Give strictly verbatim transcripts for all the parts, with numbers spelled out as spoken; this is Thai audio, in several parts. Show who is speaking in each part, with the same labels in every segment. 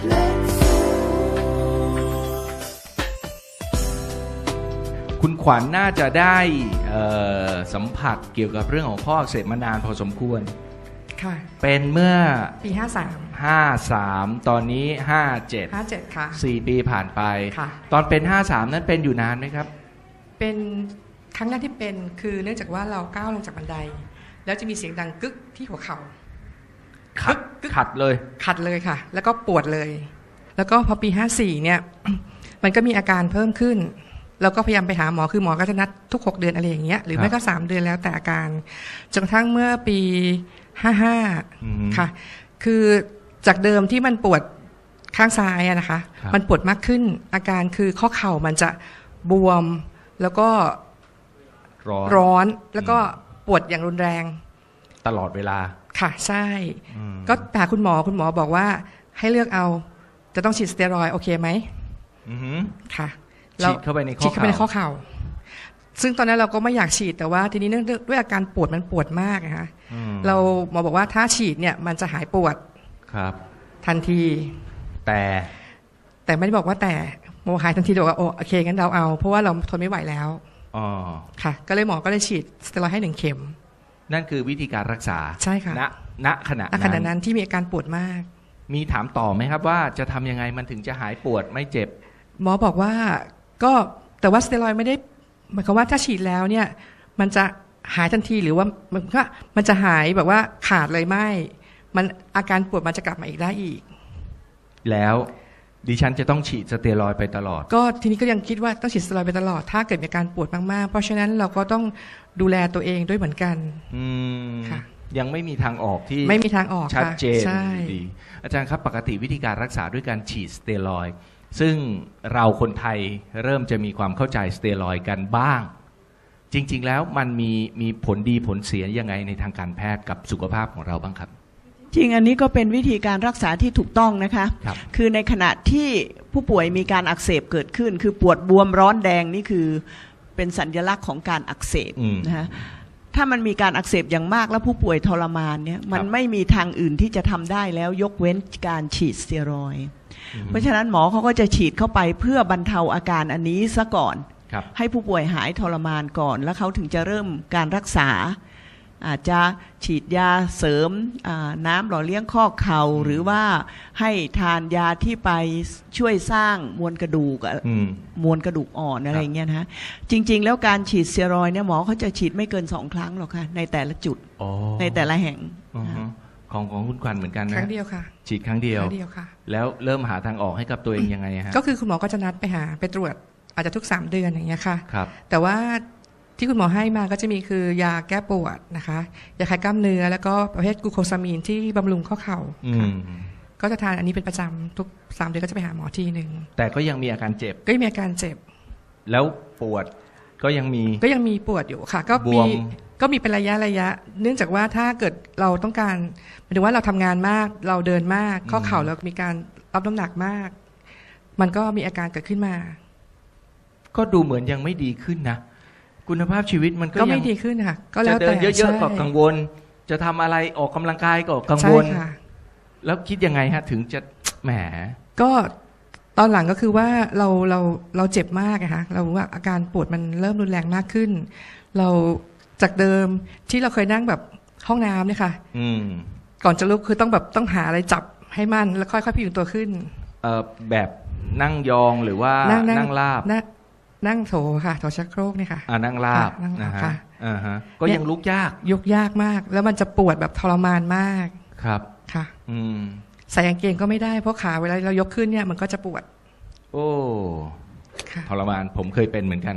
Speaker 1: คุณขวัญ น่าจะได้สัมผัสเกี่ยวกับเรื่องของข้ออักเสบมานานพอสมควร
Speaker 2: ค่ะ
Speaker 1: เป็นเมื่อ
Speaker 2: ปีห้าสาม
Speaker 1: ห้าสามตอนนี้ห้าเจ็ด
Speaker 2: ห้าเจ็ดค่ะ
Speaker 1: สี่ปีผ่านไป
Speaker 2: ค่ะ
Speaker 1: ตอนเป็นห้าสามนั้นเป็นอยู่นานไหมครับ
Speaker 2: เป็นครั้งแรกที่เป็นคือเนื่องจากว่าเราก้าวลงจากบันไดแล้วจะมีเสียงดังกึกที่หัวเข่า
Speaker 1: ขัดขัดเลย
Speaker 2: ขัดเลยค่ะแล้วก็ปวดเลยแล้วก็พอปีห้าสี่เนี่ยมันก็มีอาการเพิ่มขึ้นเราก็พยายามไปหาหมอคือหมอก็จะนัดทุกหกเดือนอะไรอย่างเงี้ยหรือไม่ก็สามเดือนแล้วแต่อาการจนกระทั่งเมื่อปีห้าห้าค่ะคือจากเดิมที่มันปวดข้างซ้ายอะนะคะมันปวดมากขึ้นอาการคือข้อเข่ามันจะบวมแล้วก็ร้อนแล้วก็ปวดอย่างรุนแรง
Speaker 1: ตลอดเวลา
Speaker 2: ค่ะใช่ก็ไปหาคุณหมอคุณหมอบอกว่าให้เลือกเอาจะต้องฉีดสเตียรอยด์โอเคไหมค่ะ
Speaker 1: ฉีดเข้าไปในข้อเข่า
Speaker 2: ฉีดเข้าไปในข้อเข่าซึ่งตอนนั้นเราก็ไม่อยากฉีดแต่ว่าทีนี้เนื่องด้วยอาการปวดมันปวดมากนะคะเราหมอบอกว่าถ้าฉีดเนี่ยมันจะหายปวด
Speaker 1: ครับ
Speaker 2: ทันที
Speaker 1: แต่
Speaker 2: แต่ไม่ได้บอกว่าแต่หมอหายทันทีบอกว่าโอเคงั้นเราเอาเพราะว่าเราทนไม่ไหวแล้ว
Speaker 1: อ๋อ
Speaker 2: ค่ะก็เลยหมอก็เลยฉีดสเตียรอยด์ให้หนึ่งเข็ม
Speaker 1: นั่นคือวิธีการรักษา
Speaker 2: ใช่ค่ะ
Speaker 1: ณณขณะ
Speaker 2: นั้นณขณะนั้นที่มีอาการปวดมาก
Speaker 1: มีถามต่อไหมครับว่าจะทำยังไงมันถึงจะหายปวดไม่เจ็บ
Speaker 2: หมอบอกว่าก็แต่ว่าสเตียรอยด์ไม่ได้หมายความว่าถ้าฉีดแล้วเนี่ยมันจะหายทันทีหรือว่ามันก็มันจะหายแบบว่าขาดเลยไม่มันอาการปวดมันจะกลับมาอีกได้อีก
Speaker 1: แล้วดิฉันจะต้องฉีดสเตียรอยด์ไปตลอด
Speaker 2: ก็ทีนี้ก็ยังคิดว่าต้องฉีดสเตียรอยด์ไปตลอดถ้าเกิดมีอาการปวดมากๆเพราะฉะนั้นเราก็ต้องดูแลตัวเองด้วยเหมือนกัน
Speaker 1: อืมค่ะยังไม่มีทางออกที่
Speaker 2: ไม่มีทางออก
Speaker 1: ชัดเจนดีอาจารย์ครับปกติวิธีการรักษาด้วยการฉีดสเตียรอยด์ซึ่งเราคนไทยเริ่มจะมีความเข้าใจสเตียรอยด์กันบ้างจริงๆแล้วมันมีมีผลดีผลเสียยังไงในทางการแพทย์กับสุขภาพของเราบ้างครับ
Speaker 3: จริงอันนี้ก็เป็นวิธีการรักษาที่ถูกต้องนะคะ
Speaker 1: ค,
Speaker 3: คือในขณะที่ผู้ป่วยมีการอักเสบเกิดขึ้นคือปวดบวมร้อนแดงนี่คือเป็นสัญลักษณ์ของการอักเสบนะคะถ้ามันมีการอักเสบอย่างมากแล้วผู้ป่วยทรมานเนี่ยมันไม่มีทางอื่นที่จะทำได้แล้วยกเว้นการฉีดสเตียรอยด์เพราะฉะนั้นหมอเขาก็จะฉีดเข้าไปเพื่อบรรเทาอาการอันนี้ซะก่อนให้ผู้ป่วยหายทรมานก่อนแล้วเขาถึงจะเริ่มการรักษาอาจจะฉีดยาเสริมน้ำหล่อเลี้ยงข้อเข่าหรือว่าให้ทานยาที่ไปช่วยสร้างมวลกระดูกมวลกระดูกอ่อนอะไรเงี้ยนะจริงๆแล้วการฉีดสเตียรอยด์เนี่ยหมอเขาจะฉีดไม่เกินสองครั้งหรอกค่ะในแต่ละจุดในแต่ละแห่ง
Speaker 1: ของของคุณขวัญเหมือนกันนะ
Speaker 2: ครั้งเดียวค่ะ
Speaker 1: ฉีดครั้งเดียว
Speaker 2: ครั้งเดียวค่ะ
Speaker 1: แล้วเริ่มหาทางออกให้กับตัวเองยังไงฮะ
Speaker 2: ก็คือคุณหมอก็จะนัดไปหาไปตรวจอาจจะทุกสามเดือนอย่างเงี้ยค่ะ
Speaker 1: ครับ
Speaker 2: แต่ว่าที่คุณหมอให้มาก็จะมีคือยาแก้ปวดนะคะยาคลายกล้ามเนื้อแล้วก็ประเภทกลูโคซามีนที่บำรุงข้อเข่าค่ะก็จะทานอันนี้เป็นประจำทุกสามเดือนก็จะไปหาหมอทีนึง
Speaker 1: แต่ก็ยังมีอาการเจ็บ
Speaker 2: ก็มีอาการเจ็บ
Speaker 1: แล้วปวดก็ยังมี
Speaker 2: ก็ยังมีปวดอยู่ค่ะก็มีก็มีเป็นระยะระยะเนื่องจากว่าถ้าเกิดเราต้องการหมายถึงว่าเราทำงานมากเราเดินมากข้อเข่าเรามีการรับน้ำหนักมากมันก็มีอาการเกิดขึ้นมา
Speaker 1: ก็ดูเหมือนยังไม่ดีขึ้นนะคุณภาพชีวิตมันก็
Speaker 2: ไม่ดีขึ้นค่ะก็แล้วแต่
Speaker 1: จะเดินเยอะๆก็กังวลจะทำอะไรออกกำลังกายก็กังวลแล้วคิดยังไงฮะถึงจะแหม
Speaker 2: ก็ตอนหลังก็คือว่าเราเราเราเจ็บมากนะคะเราว่าอาการปวดมันเริ่มรุนแรงมากขึ้นเราจากเดิมที่เราเคยนั่งแบบห้องน้ำเนี่ยค่ะก่อนจะลุกคือต้องแบบต้องหาอะไรจับให้มั่นแล้วค่อยๆพยุงตัวขึ้น
Speaker 1: เอ่อแบบนั่งยองหรือว่านั่งราบ
Speaker 2: นั่งโถค่ะโถชักโครกนี่ค่ะ
Speaker 1: อ่านั่งราบนะฮะอ่าฮะก็ยังลุกยาก
Speaker 2: ยกยากมากแล้วมันจะปวดแบบทรมานมาก
Speaker 1: ครับ
Speaker 2: ค่ะ
Speaker 1: อืม
Speaker 2: ใส่กางเกงก็ไม่ได้เพราะขาเวลาเรายกขึ้นเนี่ยมันก็จะปวด
Speaker 1: โอ้ทรมานผมเคยเป็นเหมือนกัน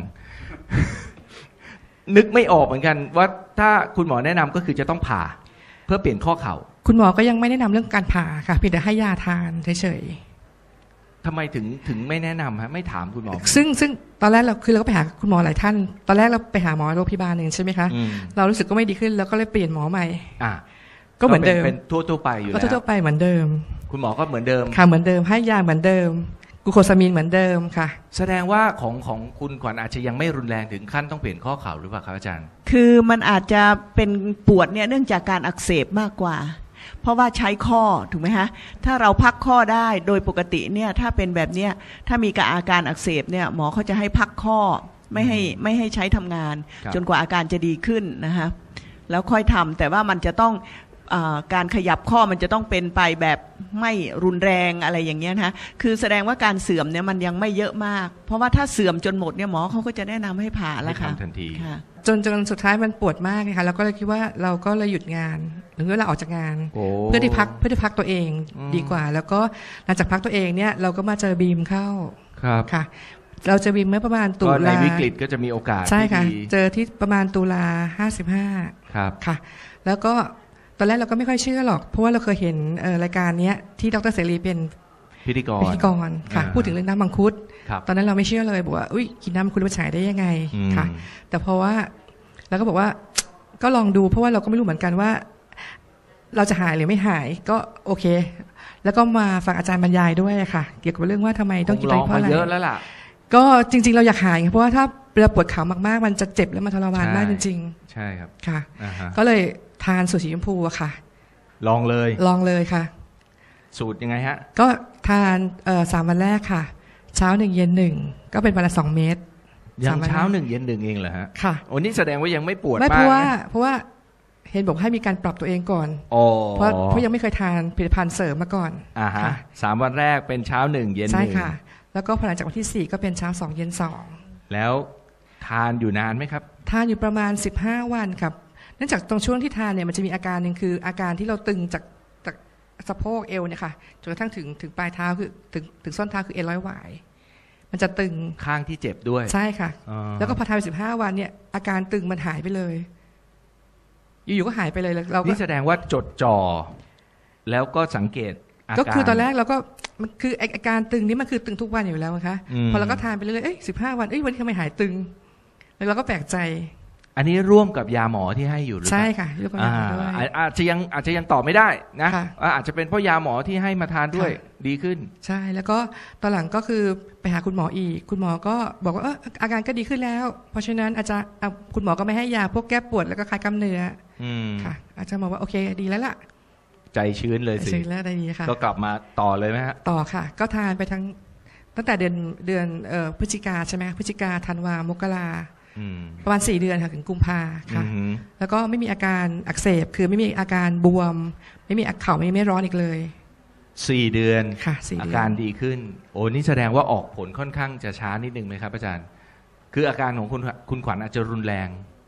Speaker 1: นึกไม่ออกเหมือนกันว่าถ้าคุณหมอแนะนำก็คือจะต้องผ่าเพื่อเปลี่ยนข้อเข่า
Speaker 2: คุณหมอก็ยังไม่แนะนำเรื่องการผ่าค่ะเพียงแต่ให้ยาทานเฉย
Speaker 1: ทำไมถึงถึงไม่แนะนำฮะไม่ถามคุณหมอ
Speaker 2: ซึ่งซึ่งตอนแรกเราคือเราก็ไปหาคุณหมอหลายท่านตอนแรกเราไปหาหมอโรงพยาบาลหนึ่งใช่ไหมคะเรารู้สึกก็ไม่ดีขึ้นแล้วก็เลยเปลี่ยนหมอใหม่
Speaker 1: อ่ะ
Speaker 2: ก็เหมือนเดิม
Speaker 1: เป็นทั่วๆไปอยู่แล้ว
Speaker 2: ก็ทั่วๆไปเหมือนเดิม
Speaker 1: คุณหมอก็เหมือนเดิม
Speaker 2: ค่ะเหมือนเดิมให้ยาเหมือนเดิมกลูโคซามีนเหมือนเดิมค่ะ
Speaker 1: แสดงว่าของของคุณขวัญอาจจะยังไม่รุนแรงถึงขั้นต้องเปลี่ยนข้อเข่าหรือเปล่าครับอาจารย์
Speaker 3: คือมันอาจจะเป็นปวดเนี่ยเนื่องจากการอักเสบมากกว่าเพราะว่าใช้ข้อถูกไหมฮะถ้าเราพักข้อได้โดยปกติเนี่ยถ้าเป็นแบบเนี้ยถ้ามีอาการอักเสบเนี่ยหมอเขาจะให้พักข้อไม่ให้ไม่ให้ใช้ทำงานจนกว่าอาการจะดีขึ้นนะคะแล้วค่อยทำแต่ว่ามันจะต้องการขยับข้อมันจะต้องเป็นไปแบบไม่รุนแรงอะไรอย่างเงี้ยนะคือแสดงว่าการเสื่อมเนี่ยมันยังไม่เยอะมากเพราะว่าถ้าเสื่อมจนหมดเนี่ยหมอเขาก็จะแนะนำให้ผ่าแล้วค่ะ
Speaker 1: ทันที
Speaker 2: จนจนสุดท้ายมันปวดมากเลยค่ะเราก็เลยคิดว่าเราก็เลยหยุดงานหรือว่าเราออกจากงานเพื่อที่พักเพื่อที่พักตัวเองดีกว่าแล้วก็หลังจากพักตัวเองเนี่ยเราก็มาเจอบีมเข้า
Speaker 1: ครับ
Speaker 2: ค่ะเราเจอบีมเมื่อประมาณตุลา
Speaker 1: ในวิกฤตก็จะมีโอกาส
Speaker 2: ใช่ค่ะเจอที่ประมาณตุลาห้าสิบห้า
Speaker 1: ครับ
Speaker 2: ค่ะแล้วก็ตอนแรกเราก็ไม่ค่อยเชื่อหรอกเพราะว่าเราเคยเห็นรายการนี้ที่ดร.เสรีเป็น
Speaker 1: พิธีกร
Speaker 2: พิธีกรค่ะพูดถึงเรื่องน้ำมังคุดตอนนั้นเราไม่เชื่อเลยบอกว่าอุ้ยกินน้ำมังคุดมันฉายได้ยังไงค่ะแต่เพราะว่าเราก็บอกว่าก็ลองดูเพราะว่าเราก็ไม่รู้เหมือนกันว่าเราจะหายหรือไม่หายก็โอเคแล้วก็มาฟังอาจารย์บรรยายด้วยค่ะเกี่ยวกับเรื่องว่าทำไมต้องกินไปเพราะอะไร
Speaker 1: เยอะแล้วล่ะ
Speaker 2: ก็จริงๆเราอยากหายเพราะว่าถ้าเราปวดขามากๆมันจะเจ็บและมันทรมานมากจริง
Speaker 1: ๆใช่ครับ
Speaker 2: ค่ะก็เลยทานสูตรสีชมพูอะค่ะ
Speaker 1: ลองเลย
Speaker 2: ลองเลยค่ะ
Speaker 1: สูตรยังไงฮะ
Speaker 2: ก็ทานเอ่อสามวันแรกค่ะเช้าหนึ่งเย็นหนึ่งก็เป็นวันละสองเม็ด
Speaker 1: ยังเช้าหนึ่งเย็นหนึ่งเองเหรอฮะ
Speaker 2: ค่ะ
Speaker 1: โอ้นี่แสดงว่ายังไม่ปวดมาก
Speaker 2: ไม่เพราะว่าเพราะว่าเห็นบอกให้มีการปรับตัวเองก่อนเพราะเพราะยังไม่เคยทานผลิตภัณฑ์เสริมมาก่อน
Speaker 1: อ่าฮะสามวันแรกเป็นเช้าหนึ่งเย็นหนึ่ง
Speaker 2: ใช่ค่ะแล้วก็พอหลังจากวันที่สี่ก็เป็นเช้าสองเย็นสอง
Speaker 1: แล้วทานอยู่นานไหมครับ
Speaker 2: ทานอยู่ประมาณสิบห้าวันครับเนื่องจากตรงช่วงที่ทานเนี่ยมันจะมีอาการหนึ่งคืออาการที่เราตึงจากจากสะโพกเอวเนี่ยค่ะจนกระทั่งถึงถึงปลายเท้าคือถึงถึงส้นเท้าคือเอ็นร้อยหวายมันจะตึง
Speaker 1: ข้างที่เจ็บด้วย
Speaker 2: ใช่ค่ะแล้วก็พอทานไปสิบห้าวันเนี่ยอาการตึงมันหายไปเลยอยู่ๆก็หายไปเลยเรา
Speaker 1: นี่แสดงว่าจดจ่อแล้วก็สังเกตอาการ
Speaker 2: ก็คือตอนแรกเราก็มันคืออาการตึงนี้มันคือตึงทุกวันอยู่แล้วนะคะพอเราก็ทานไปเรื่อยๆเอ้ยสิบห้าวันเอ้ยวันนี้ทำไมหายตึงแล้วเราก็แปลกใจ
Speaker 1: อันนี้ร่วมกับยาหมอที่ให้อยู่หรือเปล่า
Speaker 2: ใช่ค่ะร่วมกับยาหมอด้วย
Speaker 1: อาจจะยังอาจจะยังตอบไม่ได้นะอาจจะเป็นเพราะยาหมอที่ให้มาทานด้วยดีขึ้น
Speaker 2: ใช่แล้วก็ตอนหลังก็คือไปหาคุณหมออีกคุณหมอก็บอกว่าเอออาการก็ดีขึ้นแล้วเพราะฉะนั้นอาจจะคุณหมอก็ไม่ให้ยาพวกแก้ปวดแล้วก็คลายกล้ามเนื้อค่ะอาจจะบอกว่าโอเคดีแล้วล่ะ
Speaker 1: ใจชื้นเลยสิ
Speaker 2: ชื้นแล้วได้ดีค่ะ
Speaker 1: ก็กลับมาต่อเลยไหมฮะ
Speaker 2: ต่อค่ะก็ทานไปทั้งตั้งแต่เดือนเดือนพฤศจิกาใช่ไหมพฤศจิกาธันวามกราประมาณสี่เดือนค่ะถึงกุมภาค่ะแล้วก็ไม่มีอาการอักเสบคือไม่มีอาการบวมไม่มีเข่าไม่ไม่ร้อนอีกเลย
Speaker 1: สี่เดือน
Speaker 2: ค่ะ
Speaker 1: อาการดีขึ้นโอ้นี่แสดงว่าออกผลค่อนข้างจะช้านิดนึงไหมครับอาจารย์คืออาการของคุณคุณขวัญอาจจะรุนแรง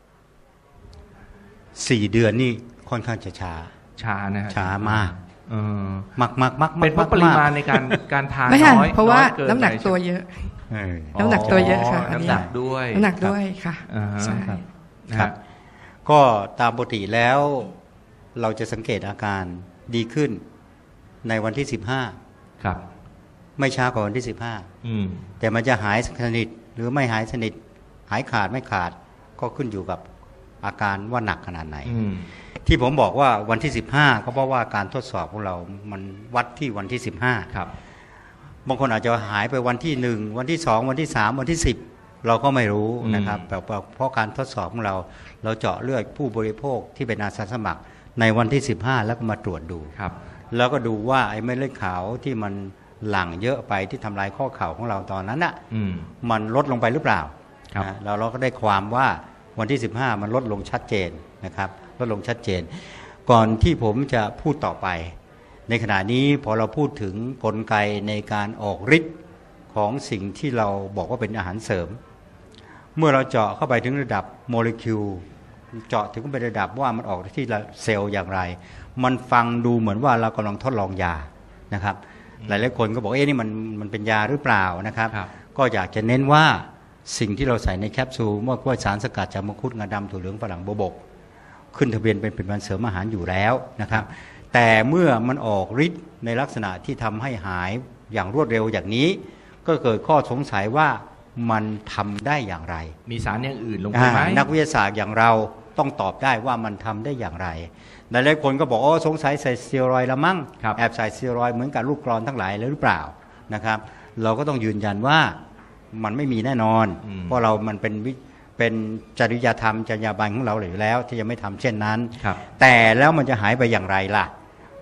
Speaker 4: สี่เดือนนี่ค่อนข้างจะช้า
Speaker 1: ช้านะ
Speaker 4: ช้ามากมากมากมาก
Speaker 1: เป็นเพราะปริมาณในการการทานน้อย
Speaker 2: เพราะว่าน้ำหนักตัวเยอะน้ำหนักตัวเยอะค่ะ
Speaker 1: น้ำหนักด้วย
Speaker 2: น้ำหนักด้วยค่ะใช่
Speaker 4: ครับก็ตามปกติแล้วเราจะสังเกตอาการดีขึ้นในวันที่สิบห้า
Speaker 1: ครับ
Speaker 4: ไม่ช้ากว่าวันที่สิบห้าแต่มันจะหายสนิทหรือไม่หายสนิทหายขาดไม่ขาดก็ขึ้นอยู่กับอาการว่าหนักขนาดไหนที่ผมบอกว่าวันที่สิบห้าก็เพราะว่าการทดสอบของเรามันวัดที่วันที่สิบห้า
Speaker 1: ครับ
Speaker 4: บางคนอาจจะหายไปวันที่หนึ่งวันที่สองวันที่สามวันที่สิบเราก็ไม่รู้นะครับแต่เพราะการทดสอบของเราเราเจาะเลือดผู้บริโภคที่เป็นอาสาสมัครในวันที่สิบห้าแล้วก็มาตรวจดูแล้วก็ดูว่าไอ้เม็ดเลือดขาวที่มันหลั่งเยอะไปที่ทำลายข้อเข่าของเราตอนนั้นน่ะมันลดลงไปหรือเปล่าเราเราก็ได้ความว่าวันที่สิบห้ามันลดลงชัดเจนนะครับลดลงชัดเจนก่อนที่ผมจะพูดต่อไปในขณะนี้พอเราพูดถึงกลไกในการออกฤทธิ์ของสิ่งที่เราบอกว่าเป็นอาหารเสริมเมื่อเราเจาะเข้าไปถึงระดับโมเลกุลเจาะถึงไประดับว่ามันออกที่เซลล์อย่างไรมันฟังดูเหมือนว่าเรากำลังทดลองยานะครับหลายๆคนก็บอกเอ๊ะนี่มันมันเป็นยาหรือเปล่านะครับก็อยากจะเน้นว่าสิ่งที่เราใส่ในแคปซูลเมื่อว่าสารสกัดจากมังคุดงาดำถั่วเหลืองฝรั่งโบวบกขึ้นทะเบียนเป็นผลิตภัณฑ์เสริมอาหารอยู่แล้วนะครับแต่เมื่อมันออกฤทธิ์ในลักษณะที่ทำให้หายอย่างรวดเร็วอย่างนี้ก็เกิดข้อสงสัยว่ามันทำได้อย่างไร
Speaker 1: มีสารอย่างอื่นลงไปไหม
Speaker 4: นักวิทยาศาสตร์อย่างเราต้องตอบได้ว่ามันทำได้อย่างไรหลายๆคนก็บอกอ๋อสงสัยใส่สเตียรอยด์ละมั้งแอบใส่สเตียรอยด์เหมือนกับลูกกรอนทั้งหลายเลยหรือเปล่านะครับเราก็ต้องยืนยันว่ามันไม่มีแน่นอนเพราะเรามันเป็นเป็นจริยธรรมจรรยาบรรณของเราอยู่แล้วที่จะไม่ทำเช่นนั้นแต่แล้วมันจะหายไปอย่างไรล่ะ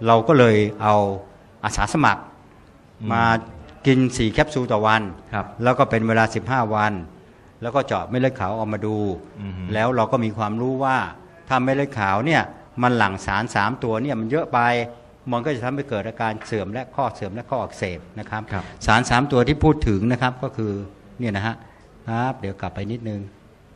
Speaker 4: เราก็เลยเอาอาสาสมัครมากินสี่แคปซูลต่อวัน
Speaker 1: ครับ
Speaker 4: แล้วก็เป็นเวลาสิบห้าวัน แล้วก็เจาะเม็ดเลือดขาวออกมาดู
Speaker 1: อือฮึ
Speaker 4: แล้วเราก็มีความรู้ว่าถ้าเม็ดเลือดขาวเนี่ยมันหลั่งสารสามตัวเนี่ยมันเยอะไปมันก็จะทำให้เกิดอาการเสื่อมและข้อเสื่อมและข้ออักเสบนะครับ
Speaker 1: ครับ
Speaker 4: สารสามตัวที่พูดถึงนะครับก็คือเนี่ยนะฮะครับเดี๋ยวกลับไปนิดนึง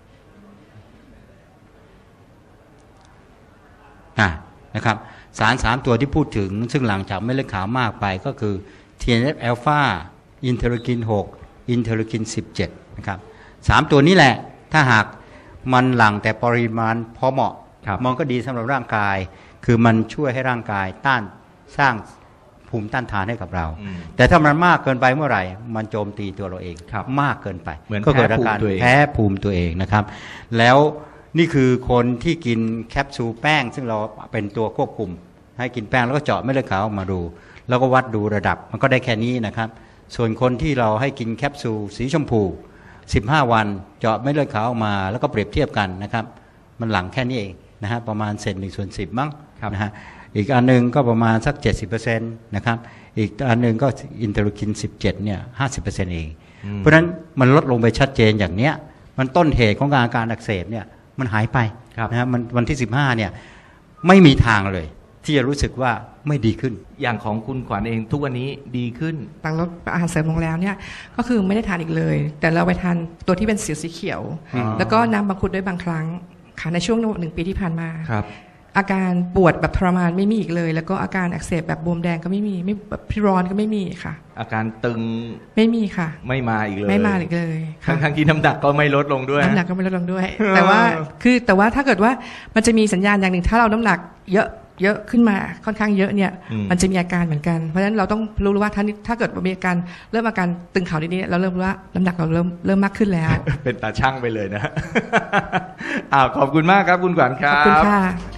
Speaker 4: อ่ะนะครับสารสามตัวที่พูดถึงซึ่งหลังจากเม็ดเลือดขาวมากไปก็คือ ที เอ็น เอฟ อลฟา อินเทอร์คิน หก อินเทอร์คิน สิบเจ็ดนะครับสามตัวนี้แหละถ้าหากมันหลั่งแต่ปริมาณพอเหมาะ
Speaker 1: ครับ
Speaker 4: มันก็ดีสำหรับร่างกาย คือมันช่วยให้ร่างกายต้านสร้างภูมิต้านทานให้กับเรา
Speaker 1: อืม
Speaker 4: แต่ถ้ามันมากเกินไปเมื่อไหร่ มันโจมตีตัวเราเอง
Speaker 1: ครับ
Speaker 4: มากเกินไป
Speaker 1: เหมือน
Speaker 4: ก็เกิดอาการ
Speaker 1: แพ้ภูมิตัวเอง
Speaker 4: แพ้ภูมิตัวเองนะครับ แล้วนี่คือคนที่กินแคปซูลแป้ง ซึ่งเราเป็นตัวควบคุม ให้กินแป้งแล้วก็เจาะเม็ดเลือดขาวออกมาดู แล้วก็วัดดูระดับมันก็ได้แค่นี้นะครับ ส่วนคนที่เราให้กินแคปซูลสีชมพูสิบห้าวันเจาะเม็ดเลือดขาวออกมาแล้วก็เปรียบเทียบกันนะครับ มันหลังแค่นี้เองนะฮะประมาณเศษหนึ่งส่วนสิบมั้ง
Speaker 1: ครับ
Speaker 4: นะฮะอีกอันหนึงก็ประมาณสัก เจ็ดสิบเปอร์เซ็นต์ นะครับอีกอันหนึงก็อินเทอร์คิน สิบเจ็ดเนี่ย ห้าสิบเปอร์เซ็นต์ เอง
Speaker 1: อืม
Speaker 4: เพราะฉะนั้นมันลดลงไปชัดเจนอย่างเนี้ยมันต้นเหตุของอาการอักเสบเนี่ยมันหายไป
Speaker 1: ครับ
Speaker 4: นะฮะมันวันที่สิบห้าเนี่ยไม่มีทางเลย ที่จะรู้สึกว่าไม่ดีขึ้น
Speaker 1: อย่างของคุณขวัญเองทุกวันนี้ดีขึ้น
Speaker 2: หลังลดอาหารเสริมลงแล้วเนี่ยก็คือไม่ได้ทานอีกเลย แต่เราไปทานตัวที่เป็นสีสีเขียว
Speaker 1: อ๋อ
Speaker 2: แล้วก็น้ำบังคุดด้วยบางครั้งค่ะในช่วงหนึ่งปีที่ผ่านมา
Speaker 1: ครับ
Speaker 2: อาการปวดแบบทรมานไม่มีอีกเลย แล้วก็อาการอักเสบแบบบวมแดงก็ไม่มีไม่แบบพิร้อนก็ไม่มีค่ะ
Speaker 1: อาการตึง
Speaker 2: ไม่มีค่ะ
Speaker 1: ไม่มาอีกเลย
Speaker 2: ไม่มาอีกเลยค่ะ
Speaker 1: ทั้งๆที่น้ำหนักก็ไม่ลดลงด้วย
Speaker 2: น้ำหนักก็ไม่ลดลงด้วย แต่ว่าคือแต่ว่าถ้าเกิดว่ามันจะมีสัญญาณอย่างหนึ่งถ้าเราน้ำหนักเยอะเยอะขึ้นมาค่อนข้างเยอะเนี่ย
Speaker 1: อืม
Speaker 2: มันจะมีอาการเหมือนกันเพราะฉะนั้นเราต้องรู้ว่าถ้าถ้าเกิดมีอาการเริ่มอาการตึงเข่านิดๆเราเริ่มรู้ว่าน้ำหนักเราเริ่มเริ่มมากขึ้นแล้ว
Speaker 1: เป็นตาช่างไปเลยนะ อ้าวขอบคุณมากครับคุณขวัญค
Speaker 2: ข
Speaker 1: รั
Speaker 2: อ
Speaker 1: บบ
Speaker 2: คุณค่ะ